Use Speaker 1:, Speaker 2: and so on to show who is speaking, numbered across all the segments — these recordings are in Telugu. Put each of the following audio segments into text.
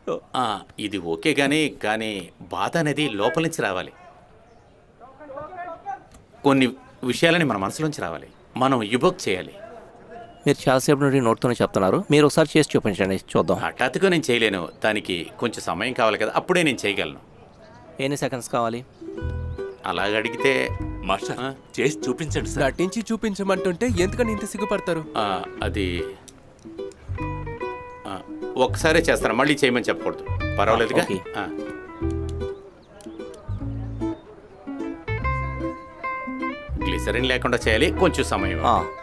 Speaker 1: ఇది ఓకే కానీ బాధ అనేది లోపల నుంచి రావాలి. కొన్ని విషయాలని మన మనసులోంచి రావాలి. మనం ఇవోక్ చేయాలి.
Speaker 2: మీరు చాలాసేపు నుండి నోట్తోనే చెప్తున్నారు, మీరు ఒకసారి చేసి చూపించండి చూద్దాం.
Speaker 1: హఠాత్తుగా నేను చేయలేను, దానికి కొంచెం సమయం కావాలి కదా, అప్పుడే నేను చేయగలను.
Speaker 2: ఎన్ని సెకండ్స్ కావాలి?
Speaker 1: అలాగ అడిగితే
Speaker 3: మాస్టర్ చేసి చూపించండి సార్.
Speaker 4: నటించి చూపించమంటుంటే ఎందుకని ఇంత సిగ్గుపడతారు?
Speaker 1: అది ఒక్కసారే చేస్తాను, మళ్ళీ చేయమని చెప్పకూడదు. పర్వాలేదుగా.
Speaker 2: ఓకే.
Speaker 1: గ్లిసరిన్ లేకుండా చేయాలి, కొంచెం సమయం.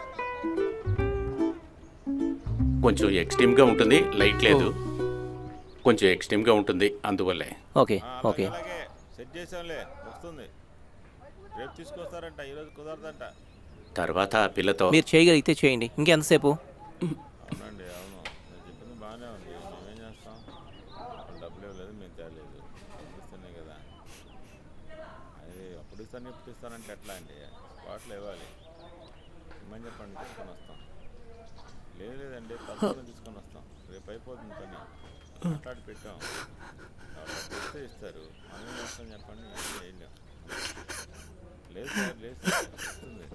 Speaker 1: కొంచెం ఎక్స్ట్రీమ్గా ఉంటుంది, లైట్ లేదు, కొంచెం ఎక్స్ట్రీమ్గా ఉంటుంది, అందువల్లే.
Speaker 2: ఓకే ఓకే
Speaker 5: సెట్ చేసాంలే, వస్తుంది. రేపు తీసుకొస్తారంట, ఈరోజు కుదరదంట.
Speaker 1: తర్వాత పిల్లతో
Speaker 2: మీరు చేయగలిగితే చేయండి. ఇంకెంతసేపు?
Speaker 5: అవునండి, అవును, నేను చెప్పింది బాగానే ఉంది. మేమేం చేస్తాం? డబ్బులు ఇవ్వలేదు, మేము తేలేదు, ఇస్తున్నాయి కదా. అది అప్పుడు ఇస్తాను ఇప్పుడు ఇస్తానంటే ఎట్లా అండి? స్పాట్లో ఇవ్వాలి. ఇమ్మని చెప్పండి, తీసుకొని వస్తాం. లేదండి, తప్పకుండా తీసుకొని వస్తాం. రేపు అయిపోతుంది పని, మాట్లాడి పెట్టాం. ఇస్తే ఇస్తారు, మనం ఏం చేస్తాం చెప్పండి? ఏం లేదు సార్, లేదు సార్, వస్తుంది.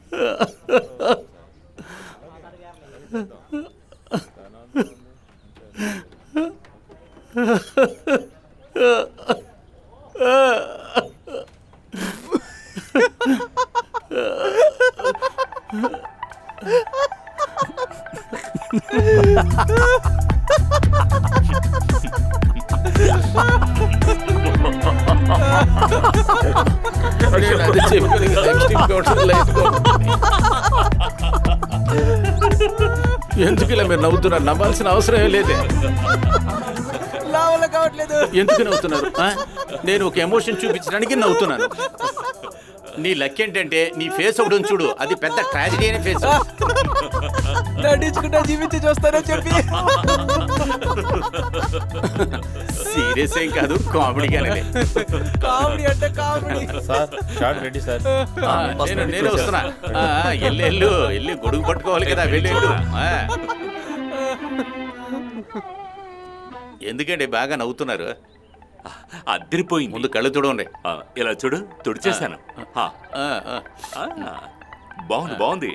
Speaker 1: ఎందుకు ఇలా మీరు నవ్వుతున్నారు? నవ్వాల్సిన అవసరం లేదే. ఎందుకు నవ్వుతున్నారు? నేను ఒక ఎమోషన్ చూపించడానికి నవ్వుతున్నాను. నీ లక్ ఏంటంటే నీ ఫేస్ ఒకటి ఉంది చూడు, అది పెద్ద ట్రాజడీ అయిన ఫేస్.
Speaker 4: నటించుకుంటా జీవించి చూస్తారని చెప్పి
Speaker 1: సీరియస్ ఏం కాదు, కామెడీగానే.
Speaker 4: కామెడీ అంటే comedy.
Speaker 5: Sir shot ready sir.
Speaker 1: నేను వస్తున్నా. వెళ్ళి గొడుగు పట్టుకోవాలి కదా, వెళ్ళు. ఎందుకంటే బాగా నవ్వుతున్నారు?
Speaker 3: అద్దరిపోయింది.
Speaker 1: ముందు కళ్ళు చూడండి.
Speaker 3: ఇలా చూడు, తుడిచేశాను. బాగుంది బాగుంది.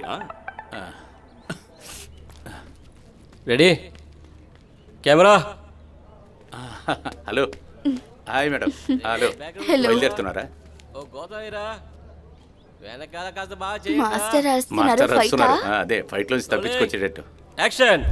Speaker 4: Ready, camera.
Speaker 1: Hello, hi madam. Hello, బయలుదేరుతున్నారా?
Speaker 6: మాస్టర్
Speaker 1: మాస్టర్ వస్తున్నారు. అదే ఫైట్ లోంచి తప్పించుకొచ్చేటట్టు.
Speaker 4: యాక్షన్.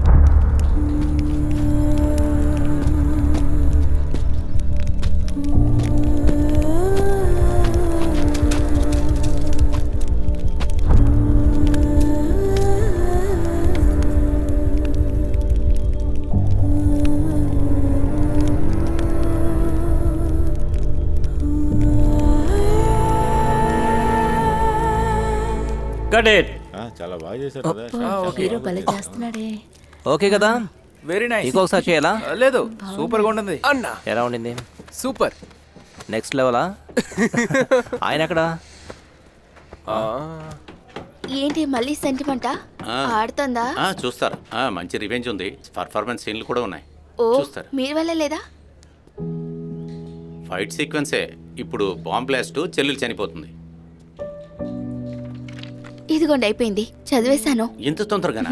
Speaker 5: చాలా బాగా చేశారు కదా.
Speaker 6: హీరో భలే చేస్తున్నాడే.
Speaker 2: ఓకే కదా?
Speaker 4: Very nice.
Speaker 2: ఇంకొకసారి చేయాలా?
Speaker 4: లేదు, సూపర్ గా ఉంటుంది అన్న.
Speaker 2: ఎలా ఉండింది?
Speaker 4: సూపర్.
Speaker 2: నెక్స్ట్ లెవెలా? ఆయన ఎక్కడా?
Speaker 6: ఏంటి మళ్ళీ సెంటిమెంటా? ఆడుతుందా?
Speaker 1: చూస్తారు. మంచి రివెంజ్ ఉంది, పర్ఫార్మెన్స్ సీన్లు కూడా ఉన్నాయి.
Speaker 6: ఓ,
Speaker 1: చూస్తారు.
Speaker 6: మీరు వెళ్ళలేదా?
Speaker 1: ఫైట్ సీక్వెన్సే. ఇప్పుడు బాంబ్ బ్లాస్ట్, చెల్లెలు చనిపోతుంది.
Speaker 6: ఇదిగోండి అయిపోయింది, చదివేశాను.
Speaker 1: ఇంత తొందరగానా?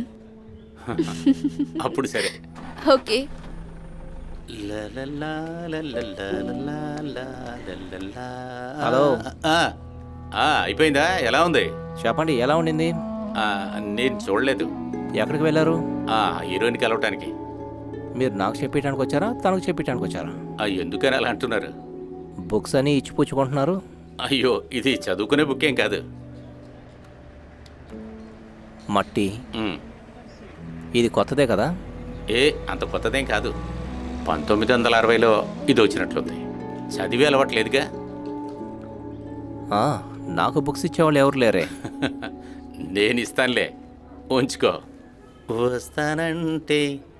Speaker 1: అప్పుడు సరే.
Speaker 6: ఓకే.
Speaker 2: హలో.
Speaker 1: అయిపోయిందా? ఎలా ఉంది
Speaker 2: చెప్పండి, ఎలా ఉండింది?
Speaker 1: నేను చూడలేదు.
Speaker 2: ఎక్కడికి వెళ్ళారు?
Speaker 1: హీరోయిన్ కలవటానికి.
Speaker 2: మీరు నాకు చెప్పేయడానికి వచ్చారా, తనకు చెప్పేయడానికి వచ్చారా?
Speaker 1: ఎందుకని అలా అంటున్నారు?
Speaker 2: బుక్స్ అని ఇచ్చిపుచ్చుకుంటున్నారు.
Speaker 1: అయ్యో, ఇది చదువుకునే బుక్ ఏం కాదు.
Speaker 2: మట్టి. ఇది కొత్తదే కదా?
Speaker 1: అంత కొత్తదేం కాదు. 1960లో ఇది వచ్చినట్లుంది. చదివి అలవాట్లేదుగా.
Speaker 2: నాకు బుక్స్ ఇచ్చేవాళ్ళు ఎవరు లేరే.
Speaker 1: నేను ఇస్తానులే, ఉంచుకో. వస్తానంటే